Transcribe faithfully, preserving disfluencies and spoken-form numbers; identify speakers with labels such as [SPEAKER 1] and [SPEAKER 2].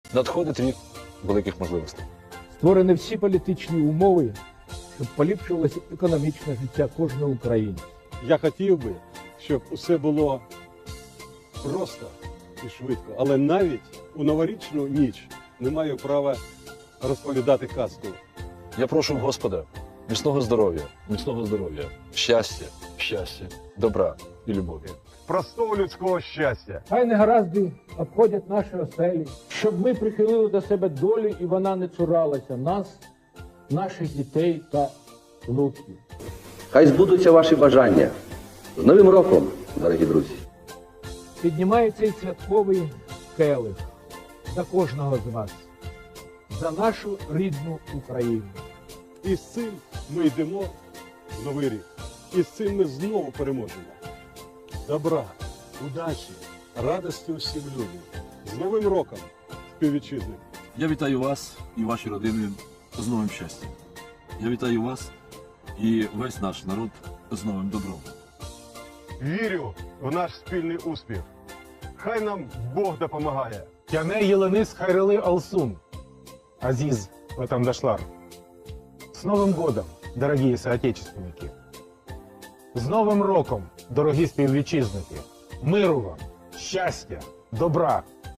[SPEAKER 1] Надходить рік великих можливостей.
[SPEAKER 2] Створені всі політичні умови, щоб поліпшилося економічне життя кожного українця.
[SPEAKER 3] Я хотів би, щоб усе було просто і швидко, але навіть у новорічну ніч не маю права розповідати казку.
[SPEAKER 1] Я прошу Господа міцного здоров'я, міцного здоров'я, щастя, щастя, добра і любові.
[SPEAKER 4] Простого людського щастя.
[SPEAKER 2] Хай негаразди обходять наші оселі, щоб ми прихилили до себе долю і вона не цуралася нас, наших дітей та внуків.
[SPEAKER 5] Хай збудуться ваші бажання. З Новим роком, дорогі друзі!
[SPEAKER 2] Піднімає цей святковий келих за кожного з вас, за нашу рідну Україну.
[SPEAKER 3] І з цим ми йдемо в новий рік. І з цим ми знову переможемо. Добра, удачі, радості усім людям. З Новим роком, співвітчизники!
[SPEAKER 6] Я вітаю вас і ваші родини з новим щастям. Я вітаю вас і весь наш народ з новим добром.
[SPEAKER 4] Вірю в наш спільний успіх. Хай нам Бог допомагає.
[SPEAKER 7] Яне Еленис Хайрели Алсун. Азиз Ватандашлар. С Новым годом, дорогие соотечественники! З Новим роком, дорогі співвітчизники! Миру вам, щастя, добра!